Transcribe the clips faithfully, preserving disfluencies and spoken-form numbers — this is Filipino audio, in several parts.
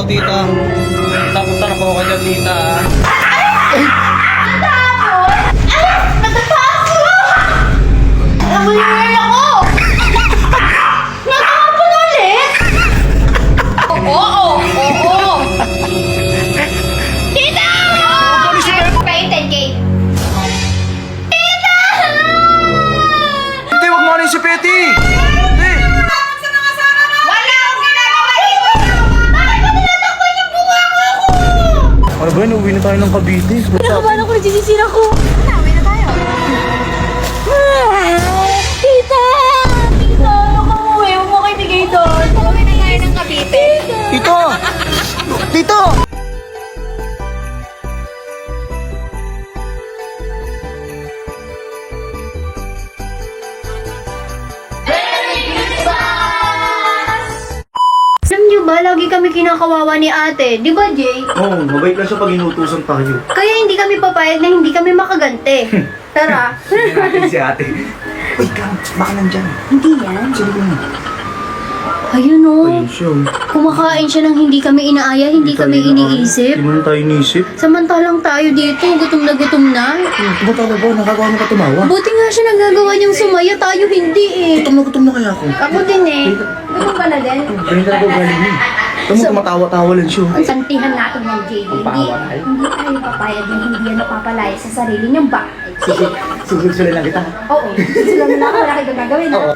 tita. Tapunta na po ako dyan, tita. Nanguliwin ako! Natapon ulit! Oo, oo, oo! Tita! Kayo ten K. Tita! Hindi, wag mo ano yung si Petty! Hindi! Wala akong ginagawa dito! Bakit ba tinatakpan yung bunga ko ako? Ano ba yun? Uwi na tayo ng Cavite. Pinakabahan ako, nagsisisira ko. Uwi na tayo. Tita! Tita, ano ka umuwi? Huwag mo kayo bigay doon. Uwi na tayo ng Cavite. Tito! Tito! Alam niyo ba, lagi kami kinakawawa ni ate. Di ba, Jay? Oo, oh, mabait lang siya pag inutusan tayo. Kaya hindi kami papayag na hindi kami makaganti. Tara. Natin si ate. Uy, Cam, baka nandyan. Hindi yan. Sige mo. Ayun o. Ayun siya. Kumakain siya ng hindi kami inaaya, hindi kami iniisip. Hindi mo tayo iniisip. Samantalang tayo dito, gutom na gutom na. Diba talaga ba? Nakagawa mo ka tumawa? Buti nga siya nagagawa niyang sumaya, tayo hindi eh. Gutom na gutom na kaya ako. Ako din eh. Gutom ka na din? Ganyan talaga galing niya. Tama mo, tumatawa-tawa lang siya. Ang santihan natin ng J D. Hindi, Pagpawalay? hindi tayo papayag na hindi yan napapalaya sa sarili niyang bahay. Sige, susunod lang kita. Oo, susulan na ako, wala kayo gagawin. Oo.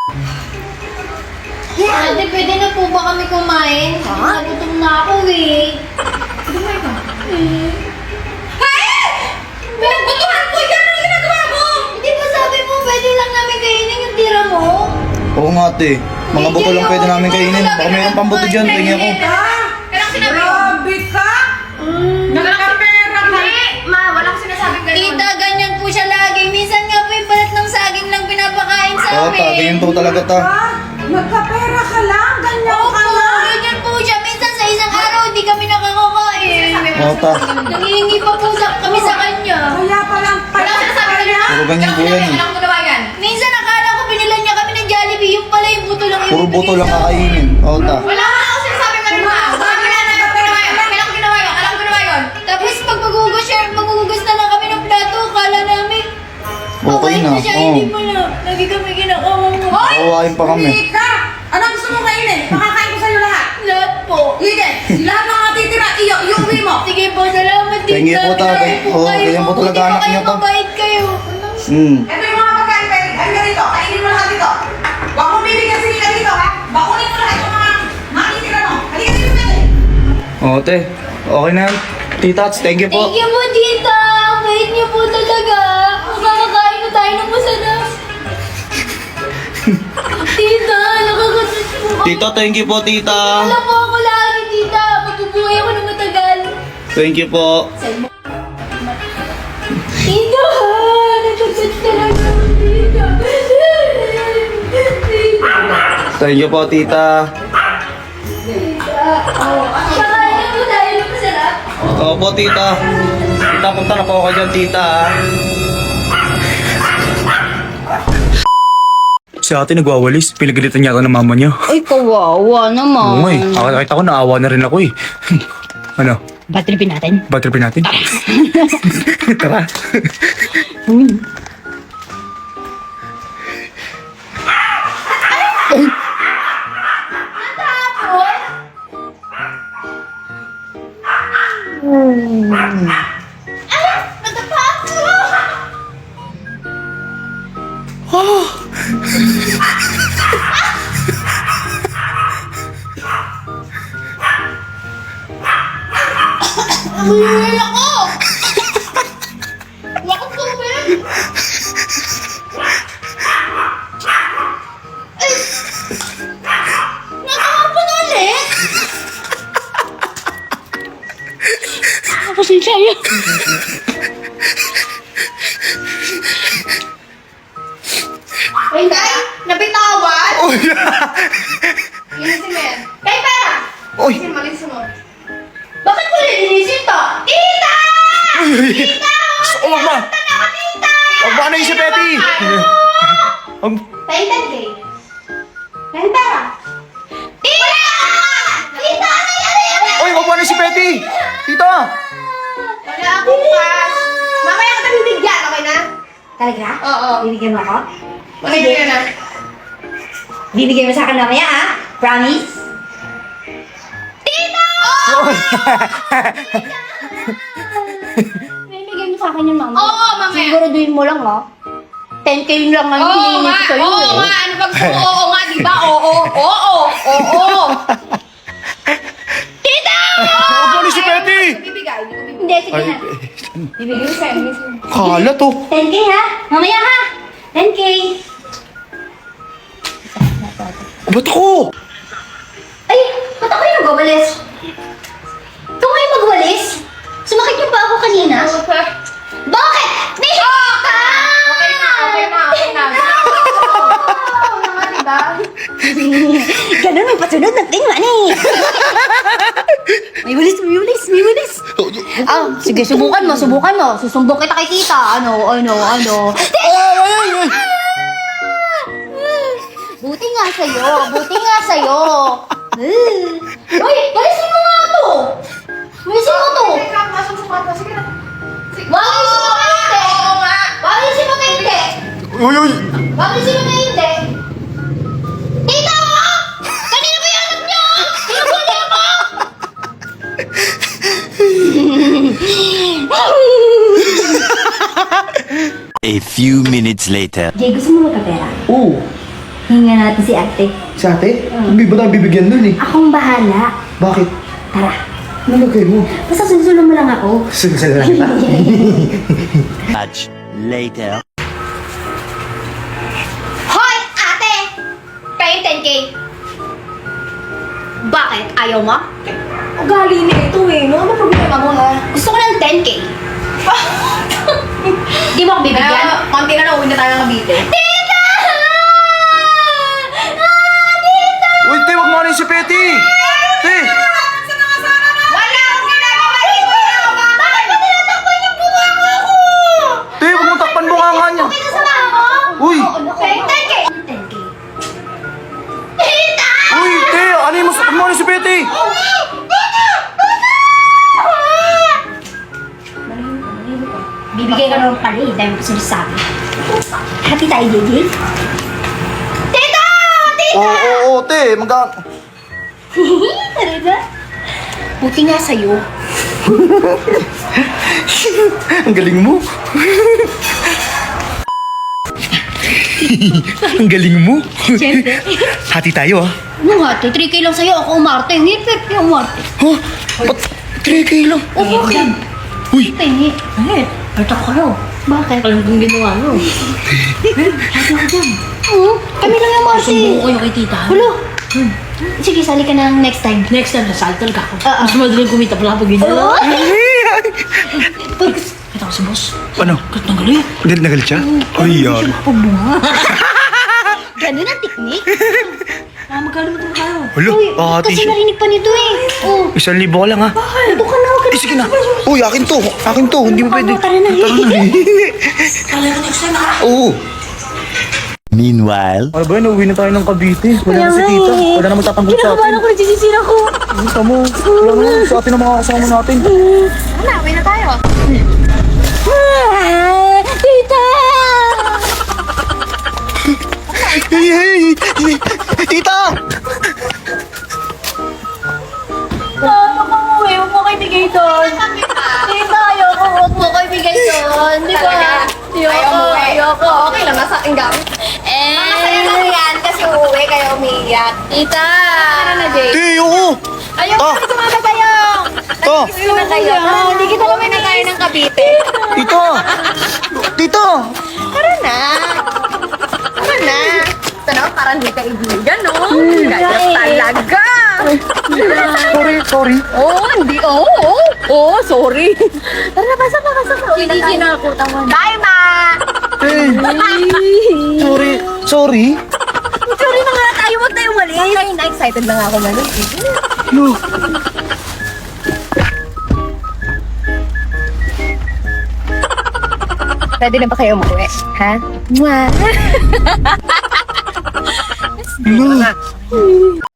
Ate, pwede na po ba kami kumain? Ha? Nagutom na ako eh. Kumain ka? Eh. Hey! Pinagbutuhan ko yan! Ano ginagawa mo? Hindi ba sabi mo pwede lang namin kainin yung tira mo? Oo nga ate. Mga buto lang pwede namin kainin. Baka mayroong pambuto dyan. Tingin ako. Kailang sinabi mo? Grabe ka! Nagkapera ka! Ma, wala ko sinasabing ganun. Tita, ganyan po siya lagi. Minsan nga po yung balat ng saging lang pinapakain sa Oo amin. ta, ganyan po talaga ta. Ah, nagkapera ka lang! Ganyan Opo, ka lang! ganyan po siya. Minsan sa isang araw, hindi kami nakakakain. Oo ta. Nangihingi pa po sa, kami sa kanya. Kaya palang Wala ko sinasabi kaya! Puro ganyan po yan eh. Minsan nakala ko binilan niya kami ng Jollibee. Yung pala yung buto lang yung Puro buto lang kakainin. Oo ta. Wala ka ako sinasabi ganun ma. Sabi na na, ginawa yun. Kailan ko ginawa yun? Alam ko ginawa yun. Tapos pag magugas siya, magugas na lang kami ng plato. Kala namin. Okay na. siya, Oo. hindi pala. Lagi kami ginakawang mo. Kawain pa kami. Hindi ka! Anong gusto mo kainin? Makakain ko sa'yo lahat! Lahat po. Eden, lahat ng matitira, iyo, iuwi mo! Sige po, salamat din. Thank you po, tatay. Oo, ganyan po talaga anak niyo, to. Mabait kayo. Hmm. Ito yung mga pagkain, pwede. Ay, ganito, kainin mo lahat dito. Huwag mo bibigyan sila ka dito, ha? Bakunin mo lahat yung mga matitira mo. Halika dito, pwede. Oo te. Okay na yan. Titats, thank you po. Thank you po, tita. Ang bait niyo po talaga. Makakakain na tayo ng masarap. Tita, nakakatas po. Tito, thank you po, tita. Wala po ako lagi, tita. Magbubuhay ako ng matagal. Thank you po. Tita, nagsagat talaga ako, tita. Tita. Thank you po, tita. Kakain na po tayo ng masarap. Oo po, tita. Tita, punta na po ako dyan, tita. ah. Si ate nagwawalis. Pinagalitan niya ako ng mama niya. Ay, kawawa naman. Oo nga eh. Nakakita ko, naawa na rin ako eh. Ano? Batripin natin. Bad tripin natin? Tara. Nanguliwin ako! Wala akong tubig! Ay! Nakakapon ulit! Pasensya yun. Ay, Nay! Nabitawan! Oh, Yan si Mer. Kay pera! Oy! Kasi malis mo. Bakit mo lilinisin to? Tita! Tita! Oh, wag ma! Tita! Wag ma na yung si Petty! Ang... Paintan kay. Paintan. Tita! Tita! Ano yan? si Petty! Tita! Wala akong cash. Mamaya kita bibigyan, okay na? Talaga? Oo. Bibigyan mo ako? Okay na na. Bibigyan mo sa akin mamaya, ha? Promise? Tita! Bibigyan mo sa akin yun, mama. Oo, mamaya. Siguraduhin mo lang, ha? ten K yun lang ang Oo hinihingi nga, ko sa'yo, oo eh. nga. Ano bang oo nga, di ba? Oo, oo, oo. Tita! Huwag mo ni si Petty! Bibigay, hindi ko bibigay. Hindi, sige na. Bibigay mo sa'yo. Kala to. ten K, ha? Mamaya, ha? ten K. O, ba't ako? Ay, ba't ako yung nagwawalis? Ikaw ngayon magwalis? Sumakit niyo pa ako kanina? Bakit? Tita! Okay na, okay na, okay na. Oo nga, di ba? Ganun, may pasunod ng tingnan eh. May walis, may walis, may walis. Ah, sige, subukan mo, subukan mo. Susumbong kita kay tita. Ano, ano, ano. Ay, ay, ay, ay. Buti nga sa'yo, buti nga sa'yo. Eh. Uy, walisin mo nga to. Walisin mo to. Teka, masusukat mo. Sige na. Walisin mo kayo hindi. Oo nga. Walisin mo kayo hindi. Uy, uy. Walisin mo kayo hindi. Tita! Kanina ba yung anak niyo? Pinabuli ako! A few minutes later. Jay, gusto mo magkapera? Oo. Hinga natin si ate. Si ate? Hindi ba tayo bibigyan dun eh? Akong bahala. Bakit? Tara. Nalagay mo. Basta sunsulong mo lang ako. Sunsal lang kita. Much later. Hoy, ate! Kayo ten K. Bakit? Ayaw mo? Ugali na ito eh. No? Ano problema mo ha? Gusto ko ng ten K. Di mo ako bibigyan? Kaya, konti na lang, uwi na tayo ng Cavite. Tita! Ah, tita! Uy, te, wag mo rin si Petty! Te! Wala akong ginagawa dito! Bakit ba tinatakpan yung bunga mo ako? Te, wag mo takpan mo nga nga niya. Okay na sa ako? Uy! Okay, ten K. ten K. Tita! Uy, te! Ano yung mas... Wag mo rin si Petty! Bibigay ka ng pali dahil mo sinasabi. Happy tayo, J J? Tita! Tita! Oo, oo, oo, te. Mag... Talaga? Buti nga sa'yo. Ang galing mo. Ang galing mo. Siyempre. Hati tayo ah. Ano nga, three K lang sa'yo. Ako umarte. Hindi, pero umarte. Ha? Ba't three K lang? O, bakit? Uy! Pengi. Eh, ito ko kayo. Bakit? Alam kong ginawa mo. Sabi ako dyan. Oo, kami lang yung umarte. Sumbong ko kayo kay tita. Hulo. Sige, sali ka na next time. Next time, nasali talaga ako. Oo. Mas madaling kumita pala pag ganyan. Oo. Kita ko si boss. Ano? Kat ng galing. Galit na galit siya? Ay, yan. Ganun ang teknik. Ah, magkano mo ito kayo? Hulo, Uy, hati kasi siya. narinig pa nito eh. Oh. Isang libo ka lang ha. Ito ka na, huwag Eh, sige na. Uy, akin to. Akin to. Hindi mo pwede. Tara na. Kala ko next time ha? Oo. Meanwhile. Ano ba yun? Uwi na tayo ng Cavite. Wala na si tita. Wala na magtatanggol sa atin. Kinakabahan ako, nagsisisira ko. Gusto mo. Wala na sa atin ang mga kasama natin. Wala, uwi na tayo. Ah, tita! Hey, hey! Tita! Tama ka mo eh, huwag mo kayo bigay doon. Tita, ayoko, huwag mo kayo bigay doon. Di ba? Ayaw mo eh. Ayoko. Okay lang, nasa aking gamit. Eh, Masaya lang yan kasi uuwi kayo umiiyak. tita! Tara na, Jay. Hey, oo! Ayoko Ah. na sumama tayo. To! Uwi na tayo. Hindi kita uwi na tayo ng Cavite. Tita! Tita! Tara na. Tara na. Ito na, parang di ka ibigan, no? Gaya talaga. Sorry, sorry. Oh, hindi. Oo, oh, oh, sorry. Tara na, pasok na, pasok na. Uwi na tayo. Kinakakutan mo. Bye, ma. Hey! Sorry. Sorry? Sorry na nga tayo. Huwag tayo mali. Ay, na-excited lang ako na. No. Pwede na ba kayo umuwi? Ha? Mwah! No.